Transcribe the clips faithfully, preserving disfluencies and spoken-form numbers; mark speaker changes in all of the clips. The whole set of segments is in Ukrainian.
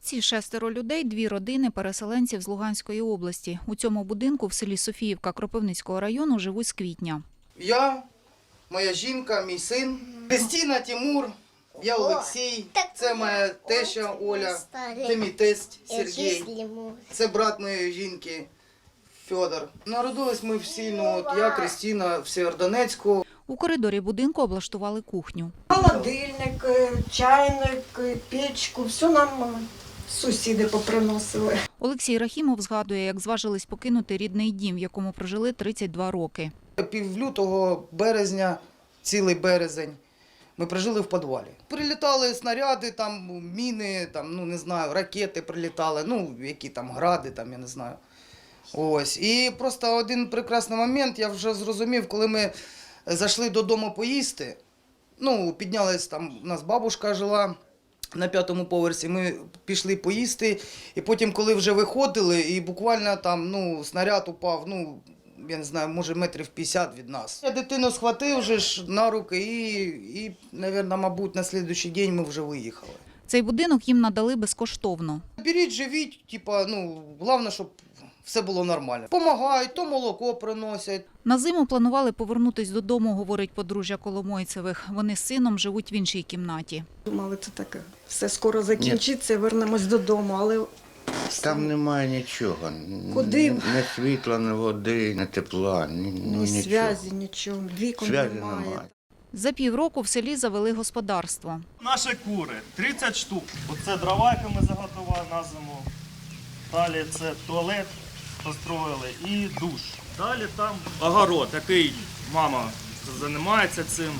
Speaker 1: Ці шестеро людей – дві родини переселенців з Луганської області. У цьому будинку в селі Софіївка Кропивницького району живуть з квітня.
Speaker 2: Я, моя жінка, мій син, Кристина, Тимур, я Олексій, це моя теща Оля, це мій тесть Сергій, це брат моєї жінки Федор. Народились ми всі, ну, от я, Кристина, в Сєвєродонецьку.
Speaker 1: У коридорі будинку облаштували кухню.
Speaker 3: Холодильник, чайник, печку – все нам сусіди поприносили.
Speaker 1: Олексій Рахімов згадує, як зважились покинути рідний дім, в якому прожили тридцять два роки.
Speaker 2: Пів лютого, березня, цілий березень ми прожили в підвалі. Прилітали снаряди, там, міни, там, ну, не знаю, ракети прилітали, ну, які там гради, там, я не знаю. Ось. І просто один прекрасний момент, я вже зрозумів, коли ми зайшли додому поїсти, ну, піднялась там, у нас бабушка жила на п'ятому поверсі, ми пішли поїсти, і потім, коли вже виходили, і буквально там, ну, снаряд упав, ну, я не знаю, може метрів п'ятдесят від нас. Я дитину схватив вже ж на руки і, і, мабуть, мабуть, на наступний день ми вже виїхали.
Speaker 1: Цей будинок їм надали безкоштовно.
Speaker 2: Беріть, живіть, типа, ну, головне, щоб все було нормально. Помагають, то молоко приносять.
Speaker 1: На зиму планували повернутись додому, говорить подружжя Коломойцевих. Вони з сином живуть в іншій кімнаті.
Speaker 3: Думали, це таке, все скоро закінчиться, вернемось додому, але...
Speaker 4: Там немає нічого.
Speaker 3: Куди?
Speaker 4: Ні світла, ні води, ні тепла, ні, ну,
Speaker 3: Ні
Speaker 4: нічого.
Speaker 3: зв'язі, нічого, вікон
Speaker 4: Зв'язі
Speaker 3: немає.
Speaker 4: немає.
Speaker 1: За півроку в селі завели господарство.
Speaker 5: Наші кури, тридцять штук. Оце дрова, які ми заготували на зиму. Далі це туалет построїли і душ. Далі там огород, який мама займається цим.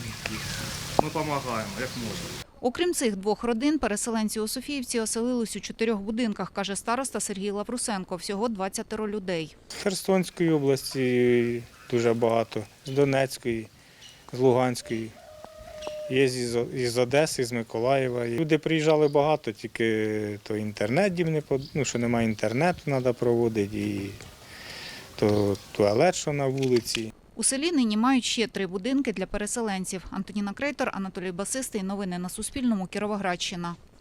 Speaker 5: Ми допомагаємо, як можемо.
Speaker 1: Окрім цих двох родин, переселенці у Софіївці оселились у чотирьох будинках, каже староста Сергій Лаврусенко. Всього двадцять людей.
Speaker 6: З Херсонської області дуже багато, з Донецької, з Луганської. Є з Одеси, з Миколаєва. Люди приїжджали багато, тільки то інтернет їм не под... ну, що немає інтернету, треба проводити, і то туалет, що на вулиці.
Speaker 1: У селі нині мають ще три будинки для переселенців. Антоніна Крейтор, Анатолій Басистий. Новини на Суспільному. Кіровоградщина.